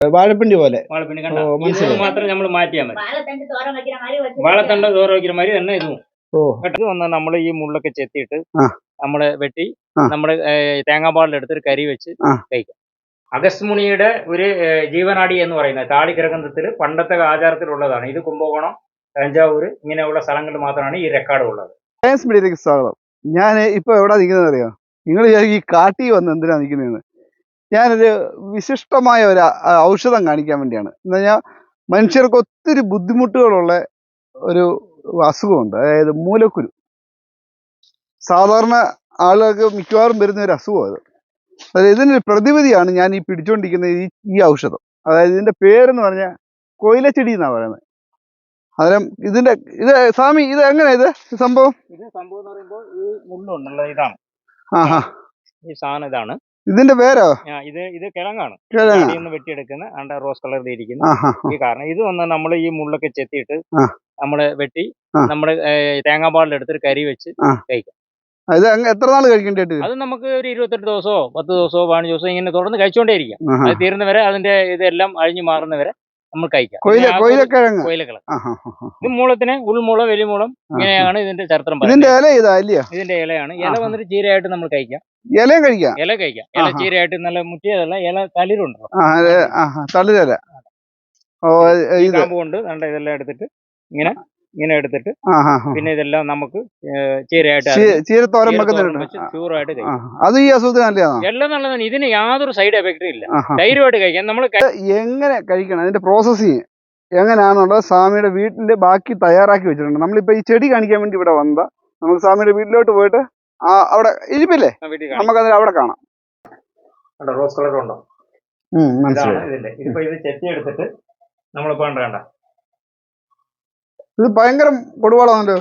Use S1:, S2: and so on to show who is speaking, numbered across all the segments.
S1: വാഴപ്പിണ്ടി പോലെ.
S2: വാഴപ്പിണ്ടി കണ്ട ഇത് മാത്രം നമ്മൾ മാറ്റിയാൽ മതി. വാഴത്തണ്ട് തോര വയ്ക്കുന്ന മാതിരി തന്നെ ഇതും. ഇത് വന്ന് നമ്മൾ ഈ മുള്ളൊക്കെ ചെത്തിയിട്ട് നമ്മള് വെട്ടി നമ്മള് തേങ്ങാപ്പാലിലെടുത്ത് കരി വെച്ച് കഴിക്കാം. അഗസ്ത്മുനിയുടെ ഒരു ജീവനാടി എന്ന് പറയുന്നത് താളിഗ്രന്ഥത്തിൽ പണ്ടത്തെ ആചാരത്തിലുള്ളതാണ്. ഇത് കുംഭകോണം, തഞ്ചാവൂർ ഇങ്ങനെയുള്ള സ്ഥലങ്ങളിൽ മാത്രമാണ് ഈ റെക്കോർഡ് ഉള്ളത്.
S1: സയൻസ് മീഡിയയിലേക്ക് സ്വാഗതം. ഞാൻ ഇപ്പൊ എവിടെ നിൽക്കുന്നത് അറിയോ? നിങ്ങൾ ഈ കാട്ടി വന്ന് എന്തിനാ നിൽക്കുന്നതെന്ന്. ഞാനൊരു വിശിഷ്ടമായ ഒരു ഔഷധം കാണിക്കാൻ വേണ്ടിയാണ്. എന്ന് പറഞ്ഞാൽ മനുഷ്യർക്ക് ഒത്തിരി ബുദ്ധിമുട്ടുകളുള്ള ഒരു അസുഖമുണ്ട്, അതായത് മൂലക്കുരു. സാധാരണ ആളുകൾക്ക് മിക്കവാറും വരുന്ന ഒരു അസുഖം അത്. അതായത് ഇതിനൊരു പ്രതിവിധിയാണ് ഞാൻ ഈ പിടിച്ചുകൊണ്ടിരിക്കുന്ന ഈ ഔഷധം. അതായത് ഇതിന്റെ പേരെന്ന് പറഞ്ഞാൽ കൊയിലച്ചെടി എന്നാണ് പറയുന്നത്. അന്നേരം ഇത് സ്വാമി ഇത് എങ്ങനെയാ ഇത് സംഭവം?
S2: ഇത് സംഭവം എന്ന് പറയുമ്പോൾ ഈ മുള്ളുണ്ടല്ലോ, ഇതാണ് ഈ സാധനം. ഇതാണ്
S1: ഇതിന്റെ പേരോ?
S2: ഇത് കിഴങ്ങാണ് വെട്ടിയെടുക്കുന്ന റോസ് കളറിൽ ഇരിക്കുന്ന ഈ കാരണം. ഇത് വന്ന് നമ്മൾ ഈ മുള്ളൊക്കെ ചെത്തിയിട്ട് നമ്മള് വെട്ടി നമ്മള് തേങ്ങാപ്പാലിലെടുത്ത് കരി വെച്ച് കഴിക്കാം.
S1: അത് എത്ര നാൾ കഴിക്കേണ്ടി?
S2: അത് നമുക്ക് ഒരു 28 ദിവസമോ 10 ദിവസമോ 15 ദിവസമോ ഇങ്ങനെ തുടർന്ന് കഴിച്ചുകൊണ്ടേ ഇരിക്കാം. അത് തീരുന്നവരെ അതിന്റെ ഇതെല്ലാം അഴിഞ്ഞു മാറുന്നവരെ നമ്മൾ കഴിക്കാം.
S1: കൊയിലക്കിഴങ്ങ്.
S2: ഇത് മൂളത്തിന് ഉൾമൂളം വലിമൂളം ഇങ്ങനെയാണ് ഇതിന്റെ ചരിത്രം. ഇതിന്റെ ഇലയാണ്. ഇല വന്നിട്ട് ചീരയായിട്ട് നമ്മൾ കഴിക്കാം. ഇല കഴിക്കാം. ഇല ചീരയായിട്ട് നല്ല മുറ്റിയതല്ല, ഇല തളിരുണ്ടോ,
S1: തളിരല
S2: കാമ്പ് കൊണ്ട് നല്ല ഇതെല്ലാം എടുത്തിട്ട് ഇങ്ങനെ എടുത്തിട്ട് പിന്നെ ഇതെല്ലാം നമുക്ക് ചീരയായിട്ട്
S1: ചൂറായിട്ട് അത് ഈ അസുഖത്തിന്
S2: എല്ലാം നല്ലതാണ്. ഇതിന് യാതൊരു സൈഡ് എഫക്റ്റും ഇല്ല. ധൈര്യമായിട്ട് കഴിക്കാം. നമ്മൾ
S1: എങ്ങനെ കഴിക്കണം, അതിന്റെ പ്രോസസ്സിങ് എങ്ങനെയാണെന്നുള്ളത് സ്വാമിയുടെ വീട്ടില് ബാക്കി തയ്യാറാക്കി വെച്ചിട്ടുണ്ട്. നമ്മളിപ്പോ ഈ ചെടി കാണിക്കാൻ വേണ്ടി ഇവിടെ വന്നതാ. നമുക്ക് സ്വാമിയുടെ വീട്ടിലോട്ട് പോയിട്ട് അവിടെ ഇരിപ്പില്ലേ, നമുക്കതിൽ അവിടെ കാണാം.
S2: റോസ് കളർ ഉണ്ടോ? ഇതിന്റെ ഇതിപ്പോ ഇത് ചെത്തി എടുത്തിട്ട് നമ്മളിപ്പോ കണ്ട
S1: ഇത് ഭയങ്കര കൊടുവാളാണല്ലോ.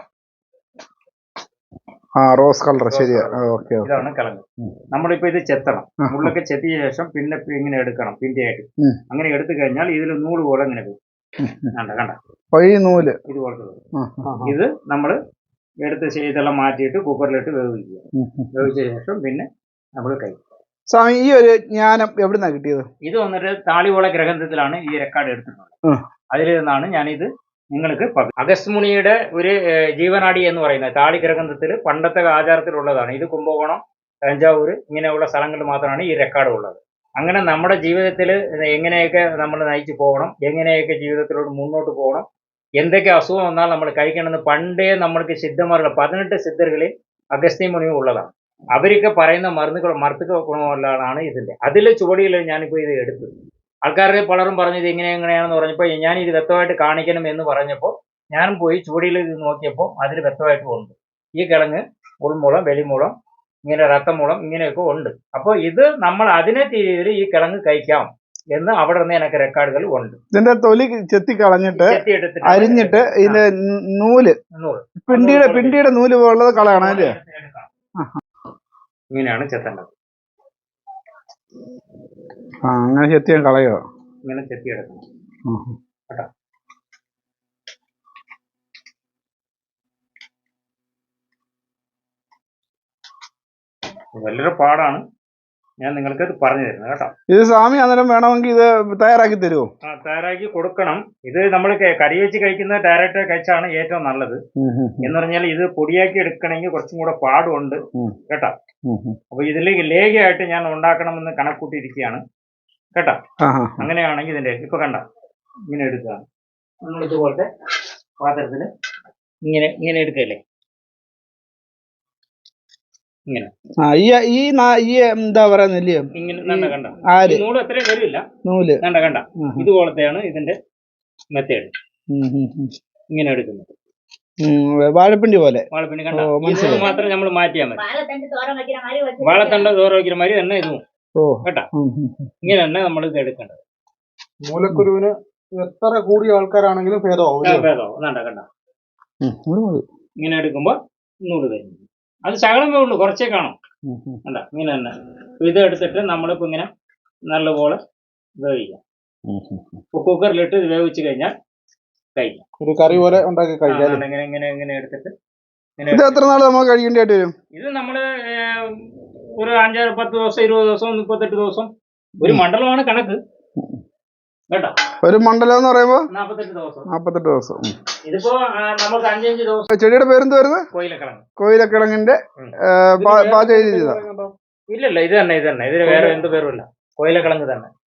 S1: Rose colour. ശരിയാ. ഓക്കെ.
S2: ഇതാണ് കിഴങ്ങ്. നമ്മളിപ്പോ ഇത് ചെത്തണം. മുള്ളൊക്കെ ചെത്തിയ ശേഷം പിന്നെ ഇങ്ങനെ എടുക്കണം പിന്തിയായിട്ട്. അങ്ങനെ എടുത്തു കഴിഞ്ഞാൽ ഇതിൽ നൂല് പോലെ ഇങ്ങനെ പോകും. കണ്ട
S1: നൂല്
S2: ഇതുപോലത്തെ. ഇത് നമ്മള് എടുത്ത് ഇതെല്ലാം മാറ്റിയിട്ട് കുക്കറിലിട്ട് വേവിക്കുക. വേവിച്ച ശേഷം പിന്നെ നമ്മൾ കഴിക്കും.
S1: സ്വാമി ഈ ഒരു ജ്ഞാനം എവിടുന്നാ കിട്ടിയത്?
S2: ഇത് വന്നിട്ട് താളിവോള ഗ്രന്ഥത്തിലാണ് ഈ റെക്കോർഡ് എടുത്തിട്ടുള്ളത്. അതിൽ നിന്നാണ് ഞാനിത് നിങ്ങൾക്ക് അഗസ്ത്മുനിയുടെ ഒരു ജീവനാടി എന്ന് പറയുന്നത് താളിഗ്രന്ഥത്തിൽ പണ്ടത്തെ ആചാരത്തിലുള്ളതാണ്. ഇത് കുംഭകോണം, തഞ്ചാവൂർ ഇങ്ങനെയുള്ള സ്ഥലങ്ങളിൽ മാത്രമാണ് ഈ റെക്കോർഡ് ഉള്ളത്. അങ്ങനെ നമ്മുടെ ജീവിതത്തിൽ എങ്ങനെയൊക്കെ നമ്മൾ നയിച്ചു പോകണം, എങ്ങനെയൊക്കെ ജീവിതത്തിലോട്ട് മുന്നോട്ട് പോകണം, എന്തൊക്കെ അസുഖം വന്നാൽ നമ്മൾ കഴിക്കണമെന്ന് പണ്ടേ നമ്മൾക്ക് സിദ്ധന്മാരുടെ 18 സിദ്ധർകളിൽ അഗസ്ത്യമുനിയും ഉള്ളതാണ്. അവരൊക്കെ പറയുന്ന മരുന്നുകൾ ഗുണമുള്ളതാണ് ഇതിന്റെ. അതിലെ ചുവടിയിൽ ഞാനിപ്പോൾ ഇത് എടുത്തു. ആൾക്കാരെ പലരും പറഞ്ഞത് എങ്ങനെയാണെന്ന് പറഞ്ഞപ്പോൾ ഞാൻ ഇത് വ്യക്തമായിട്ട് കാണിക്കണം എന്ന് പറഞ്ഞപ്പോൾ ഞാനും പോയി ചുവടിയിൽ ഇത് നോക്കിയപ്പോൾ അതിൽ വ്യക്തമായിട്ട് ഉണ്ട്. ഈ കിഴങ്ങ് ഉൾമൂളം വലിമൂളം ഇങ്ങനെ രക്തമൂളം ഇങ്ങനെയൊക്കെ ഉണ്ട്. അപ്പോൾ ഇത് നമ്മൾ അതിനെ രീതിയിൽ ഈ കിഴങ്ങ് കഴിക്കാം എന്ന് അവിടെ നിന്ന് എനിക്ക് റെക്കോർഡുകൾ ഉണ്ട്.
S1: ഇതിന്റെ തൊലി ചെത്തി കളഞ്ഞിട്ട് അരിഞ്ഞിട്ട് ഇതിന്റെ നൂല് പിണ്ടിയുടെ നൂല് പോലുള്ളത് കളയണം അല്ലേ?
S2: ഇങ്ങനെയാണ് ചെത്തേണ്ടത്.
S1: അങ്ങനെ ചെത്തിയാൽ കളയോ?
S2: ഇങ്ങനെ ചെത്തിയെടുക്കണം കേട്ടോ. വലിയൊരു പാടാണ്. ഞാൻ നിങ്ങൾക്ക് ഇത് പറഞ്ഞു തരുന്നത് കേട്ടോ.
S1: ഇത് സ്വാമി അന്നേരം വേണമെങ്കിൽ ഇത് തയ്യാറാക്കി തരുമോ?
S2: തയ്യാറാക്കി കൊടുക്കണം. ഇത് നമ്മൾ കറി വെച്ച് കഴിക്കുന്നത് ഡയറക്റ്റ് കഴിച്ചാണ് ഏറ്റവും നല്ലത്. എന്ന് പറഞ്ഞാൽ ഇത് പൊടിയാക്കി എടുക്കണമെങ്കിൽ കുറച്ചും കൂടെ പാടുണ്ട് കേട്ടോ. അപ്പൊ ഇതിലേക്ക് ലേഖയായിട്ട് ഞാൻ ഉണ്ടാക്കണമെന്ന് കണക്കൂട്ടിയിരിക്കുകയാണ് കേട്ടോ. അങ്ങനെയാണെങ്കിൽ ഇതിന്റെ ഇപ്പൊ കണ്ട ഇങ്ങനെ എടുക്കുക. നമ്മൾ ഇതുപോലത്തെ പാത്രത്തിന് ഇങ്ങനെ എടുക്കല്ലേ, ഇങ്ങനെ
S1: എന്താ പറയുന്നില്ലേ,
S2: ഇങ്ങനെ കണ്ട നൂല് അത്രയും വരില്ല. നൂല് കണ്ട ഇതുപോലത്തെയാണ് ഇതിന്റെ മെത്തേഡ്. ഇങ്ങനെ എടുക്കുന്നത്
S1: വാഴപ്പിണ്ടി പോലെ.
S2: വാഴപ്പിണ്ടി കണ്ട ഇത് മാത്രം നമ്മൾ മാറ്റിയാൽ മതി. വാഴത്തണ്ട് തോര വയ്ക്കുന്ന മാതിരി തന്നെ ഇതും കേട്ടാ. ഇങ്ങനെ തന്നെ നമ്മൾ ഇത് എടുക്കേണ്ടത്.
S1: മൂലക്കുരുവിന് എത്ര കൂടിയ ആൾക്കാരാണെങ്കിലും ഭേദമാവും.
S2: കണ്ട ഇങ്ങനെ എടുക്കുമ്പോ നൂല് തരുന്നു. അത് ശകലമേ ഉള്ളൂ, കുറച്ചേ കാണും കണ്ട. ഇങ്ങനെ തന്നെ ഇത് എടുത്തിട്ട് നമ്മളിപ്പോ ഇങ്ങനെ നല്ലപോലെ വേവിക്കാം. കുക്കറിലിട്ട് ഇത് വേവിച്ച് കഴിഞ്ഞാൽ കഴിക്കാം.
S1: ഒരു കറി പോലെ ഉണ്ടാക്കി കഴിക്കാം.
S2: ഇങ്ങനെ എടുത്തിട്ട്
S1: എത്ര നാൾ നമുക്ക് കഴിക്കേണ്ടതായിട്ട് വരും?
S2: ഇത് നമ്മള് ഒരു 5-10 ദിവസം 20 ദിവസം 38 ദിവസം ഒരു മണ്ഡലമാണ് കണക്ക്. കേട്ടോ.
S1: ഒരു മണ്ഡലം എന്ന് പറയുമ്പോൾ
S2: 48 ദിവസം.
S1: 48 ദിവസം.
S2: ഇതിപ്പോ നമുക്ക് 5-5 ദിവസം.
S1: ചെടിയുടെ പേരെന്ത് വരുന്നത്?
S2: കോയിലക്കിഴങ്ങ്.
S1: കോയിലക്കിഴങ്ങിന്റെ പാചക രീതി.
S2: ഇല്ലല്ല, ഇത് തന്നെ. ഇതിന് വേറെ എന്ത് പേരുമില്ല, കോയിലക്കിഴങ്ങ് തന്നെ.